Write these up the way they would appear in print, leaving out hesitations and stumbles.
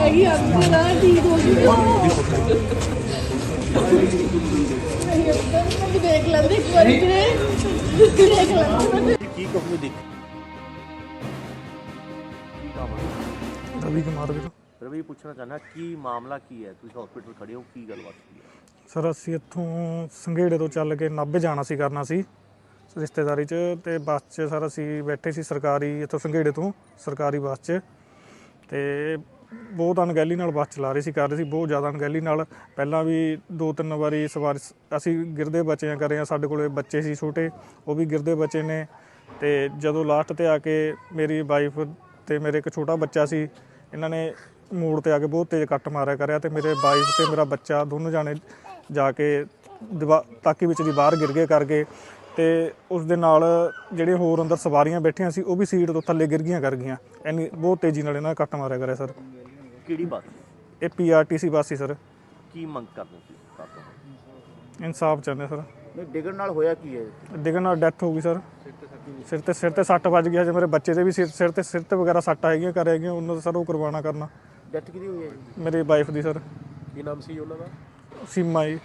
ਹੈਗੀ ਅੰਦਰ ਆ ਠੀਕ ਹੋ ਗਈ ਮੈਂ ਦੇਖ ਲੈਂਦੇ ਇੱਕ ਵਾਰੀ ਦੇਖ ਲੈਂਦੇ ਕੀ ਕਹੋਗੇ ਦੇਖ रवि कुमार ਵੀਰ ਰਵੀ ਪੁੱਛਣਾ ਚਾਹੁੰਦਾ ਕੀ ਮਾਮਲਾ ਕੀ ਹੈ ਤੁਸੀਂ ਹਸਪੀਟਲ ਖੜੇ ਹੋ ਕੀ ਗੱਲਬਾਤ ਕੀ ਹੈ ਸਰ ਅਸੀਂ ਇੱਥੋਂ ਸੰਘੇੜੇ ਤੋਂ ਚੱਲ ਕੇ ਨਾਭੇ ਜਾਣਾ ਸੀ ਕਰਨਾ ਸੀ ਰਿਸ਼ਤੇਦਾਰੀ 'ਚ ਤੇ ਬੱਸ 'ਚ ਸਰ ਅਸੀਂ ਬੈਠੇ ਸੀ ਸਰਕਾਰੀ ਇੱਥੋਂ ਸੰਘੇੜੇ ਤੋਂ ਸਰਕਾਰੀ ਬੱਸ 'ਚ ਤੇ ਬਹੁਤ ਅਣਗਹਿਲੀ ਨਾਲ ਬੱਸ ਚਲਾ ਰਹੇ ਸੀ ਕਰ ਰਹੇ ਸੀ ਬਹੁਤ ਜ਼ਿਆਦਾ ਅਣਗਹਿਲੀ ਨਾਲ ਪਹਿਲਾਂ ਵੀ 2-3 ਵਾਰੀ ਸਵਾਰ ਅਸੀਂ ਗਿਰਦੇ ਬਚੇ ਕਰੇ ਆ ਸਾਡੇ ਕੋਲੇ ਬੱਚੇ ਸੀ ਛੋਟੇ ਉਹ ਵੀ ਗਿਰਦੇ ਬਚੇ ਨੇ ਤੇ ਜਦੋਂ ਲਾਸਟ ਤੇ ਆ ਕੇ ਮੇਰੀ ਵਾਈਫ ਤੇ ਮੇਰੇ ਇੱਕ ਛੋਟਾ ਬੱਚਾ ਸੀ ਇਹਨਾਂ ਨੇ ਮੋੜ ਤੇ ਆ ਕੇ ਬਹੁਤ ਤੇਜ਼ ਕੱਟ ਮਾਰਿਆ ਕਰਿਆ ਤੇ ਮੇਰੇ ਵਾਈਫ ਤੇ ਮੇਰਾ ਬੱਚਾ ਦੋਨੋਂ ਜਾਣੇ ਜਾ ਕੇ ਤਾਕੀ ਵਿੱਚ ਦੀ ਬਾਹਰ ਗਿਰ ਗਏ ਕਰਕੇ ਤੇ ਉਸ ਦੇ ਨਾਲ ਜਿਹੜੇ ਹੋਰ ਅੰਦਰ ਸਵਾਰੀਆਂ ਬੈਠੀਆਂ ਸੀ ਉਹ ਵੀ ਸੀਟ ਤੋਂ ਥੱਲੇ ਗਿਰ ਗਈਆਂ ਕਰ ਗਈਆਂ ਇੰਨੀ ਬਹੁਤ ਤੇਜ਼ੀ ਨਾਲ ਇਹਨਾਂ ਨੇ ਕੱਟ ਮਾਰਿਆ ਕਰਿਆ ਸਰ ਕਿਹੜੀ ਬਾਤ ਇਹ PRTC ਬੱਸ ਸੀ ਸਰ ਕੀ ਮੰਗ ਕਰਦੇ ਸੀ ਕਾਤੋਂ ਇਨਸਾਫ ਚਾਹੁੰਦੇ ਸਰ ਨਹੀਂ ਡਿੱਗਣ ਨਾਲ ਹੋਇਆ ਕੀ ਹੈ ਡਿੱਗਣ ਨਾਲ ਡੈਥ ਹੋ ਗਈ ਸਰ ਸਿਰ ਤੇ ਸੱਟ ਵੱਜ ਗਿਆ ਜੇ ਮੇਰੇ ਬੱਚੇ ਦੇ ਵੀ ਸਿਰ ਤੇ ਵਗੈਰਾ ਸੱਟ ਹੈਗੀਆਂ ਕਰ ਹੈਗੀਆਂ ਉਹਨਾਂ ਦਾ ਸਰ ਉਹ ਕਰਵਾਉਣਾ ਕਰਨਾ ਡੈਥ ਕਿਹਦੀ ਹੋਈ ਹੈ ਜੀ ਮੇਰੀ ਵਾਈਫ ਦੀ ਸਰ ਕੀ ਨਾਮ ਸੀ ਉਹਨਾਂ ਦਾ ਸੀਮਾ ਜੀ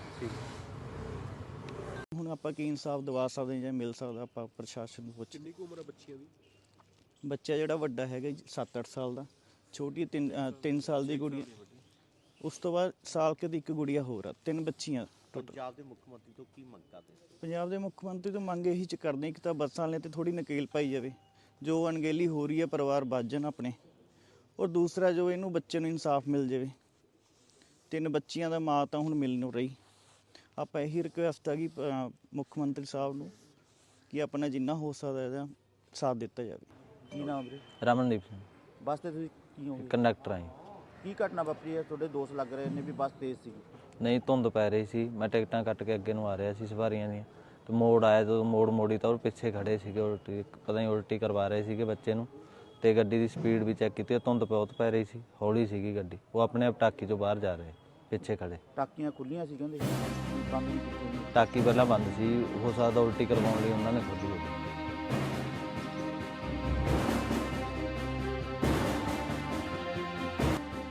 ਹੁਣ ਆਪਾਂ ਕੀ ਇਨਸਾਫ ਦਿਵਾ ਸਕਦੇ ਜਾਂ ਮਿਲ ਸਕਦਾ ਆਪਾਂ ਪ੍ਰਸ਼ਾਸਨ ਨੂੰ ਪੁੱਛ ਕਿੰਨੀ ਕੁ ਉਮਰ ਹੈ ਬੱਚਿਆਂ ਦੀ ਬੱਚਾ ਜਿਹੜਾ ਵੱਡਾ ਹੈਗਾ 7-8 ਸਾਲ ਦਾ ਛੋਟੀ 3 ਸਾਲ ਦੀ ਕੁੜੀ ਉਸ ਤੋਂ ਬਾਅਦ ਸਾਲ ਕੇ ਦੀ ਇੱਕ ਗੁੜੀਆ ਹੋਰ ਆ 3 ਬੱਚੀਆਂ ਪੰਜਾਬ ਦੇ ਮੁੱਖ ਮੰਤਰੀ ਤੋਂ ਕੀ ਮੰਗ ਕਰਦੇ ਪੰਜਾਬ ਦੇ ਮੁੱਖ ਮੰਤਰੀ ਤੋਂ ਮੰਗ ਇਹੀ ਚ ਕਰਦੇ ਇੱਕ ਤਾਂ ਬੱਸਾਂ ਵਾਲੇ ਤੇ ਥੋੜੀ ਨਕੇਲ ਪਾਈ ਜਾਵੇ ਜੋ ਅਣਗਹਿਲੀ ਹੋ ਰਹੀ ਹੈ ਪਰਿਵਾਰ ਬਚ ਜਾਣ ਆਪਣੇ ਔਰ ਦੂਸਰਾ ਜੋ ਇਹਨੂੰ ਬੱਚੇ ਨੂੰ ਇਨਸਾਫ ਮਿਲ ਜਾਵੇ 3 ਬੱਚੀਆਂ ਦਾ ਮਾਂ ਤਾਂ ਹੁਣ ਮਿਲ ਨਹੀਂ ਰਹੀ ਆਪਾਂ ਇਹੀ ਰਿਕੁਐਸਟ ਆ ਕਿ ਮੁੱਖ ਮੰਤਰੀ ਸਾਹਿਬ ਨੂੰ ਕਿ ਆਪਣਾ ਜਿੰਨਾ ਹੋ ਸਕਦਾ ਇਹਦਾ ਸਾਥ ਦਿੱਤਾ ਜਾਵੇ ਕੀ ਨਾਮ ਵੀਰੇ ਰਮਨਦੀਪ ਸਿੰਘ ਬੱਸ ਤੇ ਤੁਸੀਂ ਕੀ ਹੋ ਕੰਡਕਟਰ ਆਈ ਕੀ ਘਟਨਾ ਵਾਪਰੀ ਹੈ ਤੁਹਾਡੇ ਦੋਸਤ ਲੱਗ ਰਹੇ ਨੇ ਵੀ ਬੱਸ ਤੇਜ਼ ਸੀ ਨਹੀਂ ਧੁੰਦ ਪੈ ਰਹੀ ਸੀ ਮੈਂ ਟਿਕਟਾਂ ਕੱਟ ਕੇ ਅੱਗੇ ਨੂੰ ਆ ਰਿਹਾ ਸੀ ਸਵਾਰੀਆਂ ਦੀਆਂ ਤੇ ਮੋੜ ਆਇਆ ਜਦੋਂ ਮੋੜੀ ਤਾਂ ਉਹ ਪਿੱਛੇ ਖੜੇ ਸੀਗੇ ਉਲਟੀ ਪਤਾ ਨਹੀਂ ਉਲਟੀ ਕਰਵਾ ਰਹੇ ਸੀਗੇ ਬੱਚੇ ਨੂੰ ਤੇ ਗੱਡੀ ਦੀ ਸਪੀਡ ਵੀ ਚੈੱਕ ਕੀਤੀ ਧੁੰਦ ਬਹੁਤ ਪੈ ਰਹੀ ਸੀ ਹੌਲੀ ਸੀਗੀ ਗੱਡੀ ਉਹ ਆਪਣੇ ਆਪ ਟਾਕੀ ਚੋਂ ਬਾਹਰ ਜਾ ਰਹੇ ਪਿੱਛੇ ਖੜੇ ਟਾਕੀਆਂ ਖੁੱਲੀਆਂ ਸੀ ਕਹਿੰਦੇ ਬੰਦ ਨਹੀਂ ਕੀਤੀਆਂ ਟਾਕੀ ਪਹਿਲਾਂ ਬੰਦ ਸੀ ਹੋ ਸਕਦਾ ਉਲਟੀ ਕਰਵਾਉਣ ਲਈ ਉਹਨਾਂ ਨੇ ਖੋਲੀ ਹੋਵੇ